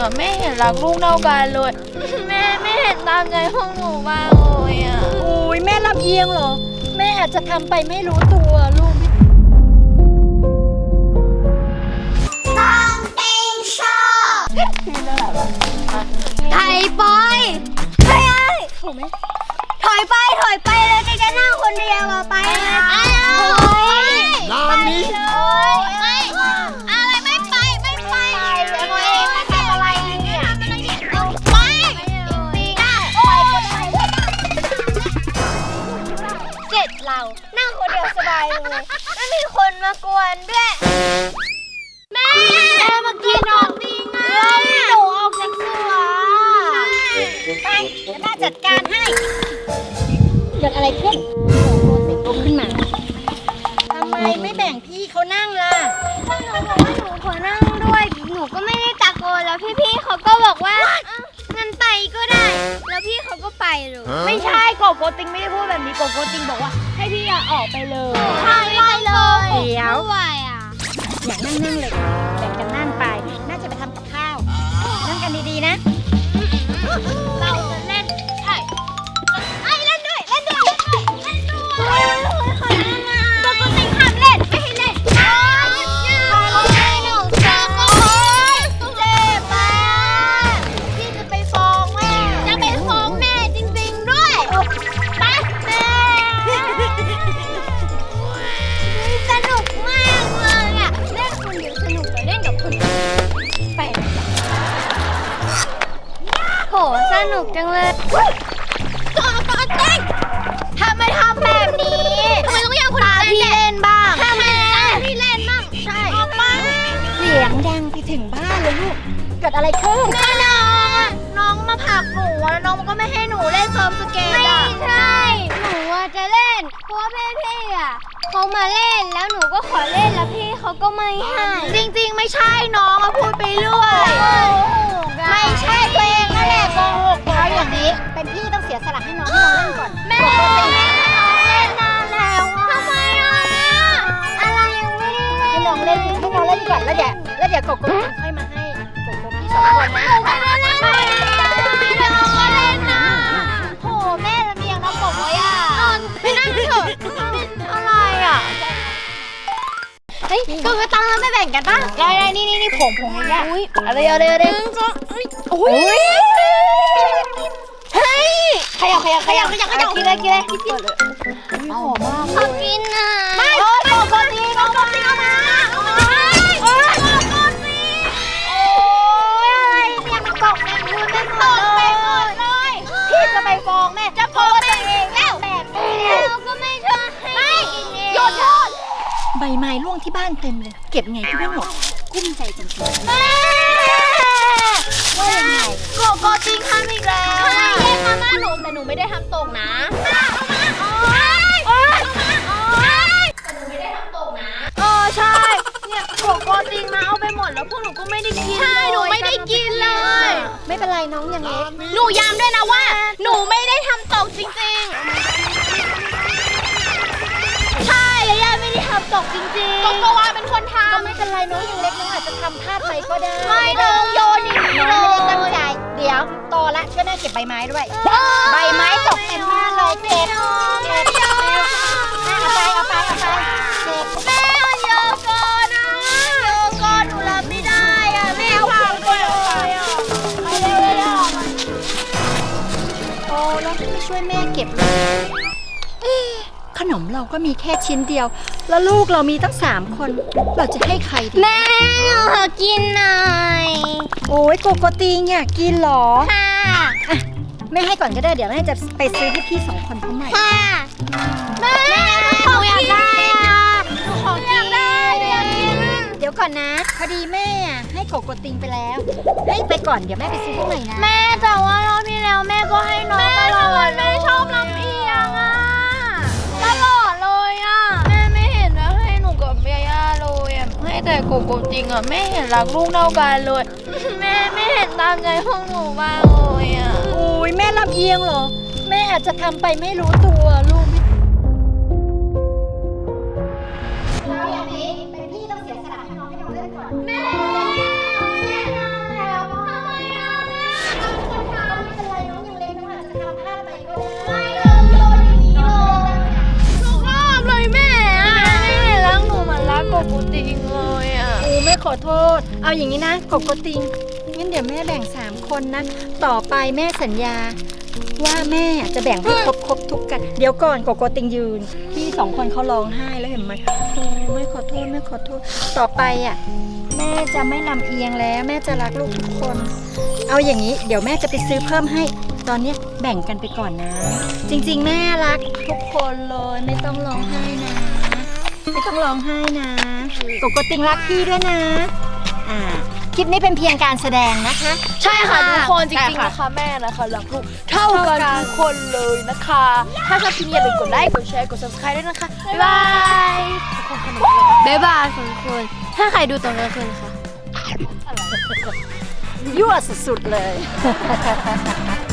อ่ะแม่เห็นรักลูกเท่ากันเลยแม่ไม่เห็นตามใจพวกหนูบ้างเลยอ่ะอุ้ยแม่ลำเอียงเหรอแม่อาจจะทำไปไม่รู้ตัวลูกต้องเต็งชอบไทยปอยเฮ้ยถอยไปเลยแกจะนั่งคนเดียวอะไปนานนี้ไม่อะไรไม่ไปตัวเองไม่ทำอะไรเนี่ยไปเจ็ดเรานั่งคนเดียวสบายเลยไม่มีคนมากวนด้วยแม่มากินออกดีไงหนูออกจากสวนไปเดี๋ยวแม่จัดการให้เกิดอะไรขึ้นโมสิลุกขึ้นมาทำไมไม่แบ่งพี่เขานั่งล่ะถ้าหนูบอกว่าหนูขอนั่งด้วยหนูก็ไม่ได้ตะโกนแล้วพี่ๆเขาก็บอกว่างั้นไปก็ได้แล้วพี่เขาก็ไปเลยไม่ใช่โกโกติงไม่ได้พูดแบบนี้โกโกติงบอกว่าให้พี่ออกไปเลยใช่ไปเลยเดี๋ยวด้วยอ่ะอยากนั่งเลยแบ่งกันนั่งไปน่าจะไปทำกับข้าวนั่งกันดีๆนะเราจะเล่นใช่เล่นด้วยขอนั่งมาปกติห้ามเล่นไม่ให้เล่นหนูเจ็บมากพี่จะไปฟ้องแม่จะไปฟ้องแม่จริงๆด้วยไปแม่สนุกมากเลยอ่ะเล่นคนเดียวสนุกกว่าเล่นกับคนอื่นไปโหสนุกจังเลยปกติทำไมทำแบบนี้ทำไมต้องอยากคนอื่นพี่เล่นบ้างทำไมพี่เล่นบ้างใช่ออกมาเสียงดังไปถึงบ้านเลยลูกเกิดอะไรขึ้นน้องมาผลักหนูแล้วน้องก็ไม่ให้หนูเล่นเซิร์ฟสเก็ตไม่ใช่หนูจะเล่นเพราะว่าพี่อ่ะเขามาเล่นแล้วหนูก็ขอเล่นแล้วพี่เขาก็ไม่ให้จริงๆไม่ใช่น้องพูดไปเรื่อยไม่ใช่ตัวเองนั่นแหละโกหกเอาอย่างนี้เป็นพี่ต้องเสียสละให้น้องเล่นก่อนแม่ให้น้องเล่นนานแล้วทำไมอะไรยังไม่ได้ให้น้องเล่นก่อนแล้วเดี๋ยวโกโก้ค่อยมาให้โกโก้พี่สองคนนะโหแม่ละเมียงน้องบอกว่าไปนั่งเถอะอะไรอ่ะเฮ้ยก็ตังค์เราไม่แบ่งกันป่ะได้นี่ผงอย่างเงี้ยอะไรโอ้ยเฮ้ยขยับกินเลยหอมมากขอกินอ่ะไม่โกโกติงเอามาโอ้ยอะไรเนี่ยมันตกแมงมุมไม่ตกไปหมดเลยพี่จะไปฟ้องแม่จะฟ้องแม่เองแล้วแบบเราก็ไม่ชอบให้กินเองหยุดใบไม้ร่วงที่บ้านเต็มเลยเก็บไงก็ไม่หมดกุ้มใจจริงๆแม่ว่ายังไงโกโกติงทำอีกแล้วแย่งมาม่าหนูแต่หนูไม่ได้ทำตกนะใช่เนี่ยโกโกติงมาเอาไปหมดแล้วพวกหนูก็ไม่ได้กินใช่หนูไม่ได้กินเลยไม่เป็นไรน้องยังเล็กหนูย้ำด้วยนะว่าหนูไม่ได้ทำตกจริงๆใช่ย่าไม่ได้ทำตกจริงๆก็ว่าเป็นคนทำก็ไม่เป็นไรน้องยังเล็กน้องอาจจะทำพลาดไปก็ได้ไม่น้องโยนอย่างนี้น้องไม่ได้ตั้งใจเดี๋ยวโตละช่วยแม่เก็บใบไม้ด้วยใบไม้ตกเต็มบ้านเลยเก็บเอาไปแม่โยก่อนนะโยก่อนหนูรับไม่ได้อ่ะแม่เอาของไปเลยอ่ะไปเร็วโอ้แล้วไม่ช่วยแม่เก็บขนมเราก็มีแค่ชิ้นเดียวแล้วลูกเรามีตั้ง3 คนเราจะให้ใครดีแม่ขอกินหน่อยโอ้ยโกโกติงอยากกินหรอค่ะแม่ให้ก่อนก็ได้เดี๋ยวแม่จะไปซื้อให้พี่2 คนเขาใหม่ค่ะแม่หนูอยากได้อ่ะหนูขอกินเดี๋ยวก่อนนะพอดีแม่ให้โกโกติงไปแล้วให้ไปก่อนเดี๋ยวแม่ไปซื้อให้ใหม่นะแม่แต่ว่ารอบที่แล้วแม่ก็ให้น้องตลอดแม่ชอบลำเอียงอ่ะตลอดเลยอ่ะแม่ไม่เห็นนะให้หนูกับย่าเลยอ่ะให้แต่โกโกติงอ่ะแม่เห็นรักลูกเท่ากันเลยแม่ไม่เห็นตามใจพวกหนูบ้างเลยอ่ะโอ้ยแม่ลำเอียงเหรอแม่อาจจะทำไปไม่รู้ตัวลูกแล้วอย่างนี้เป็นพี่ต้องเสียสละให้น้องเล่นก่อนแม่แล้วทำไมริงๆเลยอ่ะแม่ขอโทษ เอาอย่างนี้นะโกโกติงงั้นเดี๋ยวแม่แบ่ง3คนนะต่อไปแม่สัญญาว่าแม่จะแบ่งให้ครบทุกกันเดี๋ยวก่อนโกโกติงยืนพี่2คนเขาร้องไห้แล้วเห็นไหมแม่ขอโทษแม่ขอโทษต่อไปอ่ะแม่จะไม่ลำเอียงแล้วแม่จะรักลูกทุกคนเอาอย่างนี้เดี๋ยวแม่จะไปซื้อเพิ่มให้ตอนนี้แบ่งกันไปก่อนนะ จริงๆแม่รักทุกคนเลยไม่ต้องร้องไห้นะไม่ต้องร้องไห้นะโกโกติงรักพี่ด้วยนะคลิปนี้เป็นเพียงการแสดงนะคะใช่ค่ะทุกคนจริงๆนะคะแม่นะคะรักลูกเท่ากันทุกคนเลยนะคะ ถ้าชอบคลิปนี้อย่าลืมกดไลค์กดแชร์กด subscribe ด้วยนะคะบ๊ายบายบ๊ายบายทุกคนถ้าใครดูตอนกลางคืนนะคะยั่วสุดๆเลย